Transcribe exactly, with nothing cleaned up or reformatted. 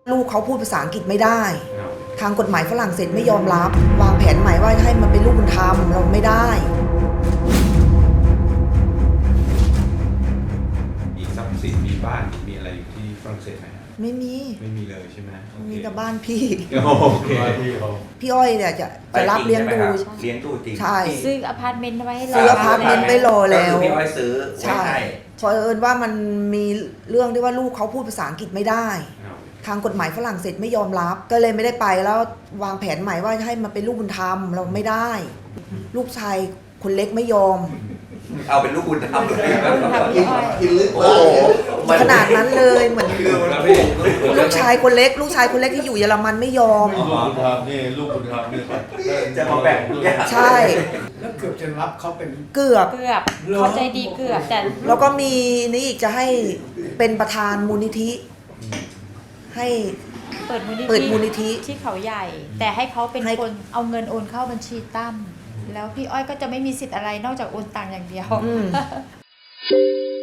ลูกเขาพูดภาษาอังกฤษไม่ได้ทางกฎหมายฝรั่งเศสไม่ยอมรับวางแผนใหม่ว่าให้มันเป็นลูกบุญธรรมเราไม่ได้มีทรัพย์สินมีบ้านมีอะไรอยู่ที่ฝรั่งเศสไหมไม่มีไม่มีเลยใช่ไหมมีแต่บ้านพี่โอเคพี่อ้อยเนี่ยจะจะรับเลี้ยงดูเลี้ยงดูจริงใช่ซื้ออพาร์ตเมนต์ไว้ซื้ออพาร์ตเมนต์ไปรอแล้วพี่อ้อยซื้อใช่พอเอิญว่ามันมีเรื่องที่ว่าลูกเขาพูดภาษาอังกฤษไม่ได้ทางกฎหมายฝรั่งเศสไม่ยอมรับก็เลยไม่ได้ไปแล้ววางแผนใหม่ว่าให้มันเป็นลูกบุญธรรมเราไม่ได้ลูกชายคนเล็กไม่ยอมเอาเป็นลูกบุญธรรมเลยกินลึกโอ้ขนาดนั้นเลยเหมือนลูกชายคนเล็กลูกชายคนเล็กที่อยู่เยอรมันไม่ยอมลูกบุญธรรมนี่ลูกบุญธรรมนี่จะมาแบ่งทุกอย่างใช่แล้วเกือบจะรับเขาเป็นเกือบเกือบเขาใจดีเกือบแต่แล้วก็มีนี่อีกจะให้เป็นประธานมูลนิธิให้เปิดมูลนิธิเปิดมูลนิธิที่เขาใหญ่แต่ให้เขาเป็นคนเอาเงินโอนเข้าบัญชีตั้มแล้วพี่อ้อยก็จะไม่มีสิทธิ์อะไรนอกจากโอนตังค์อย่างเดียว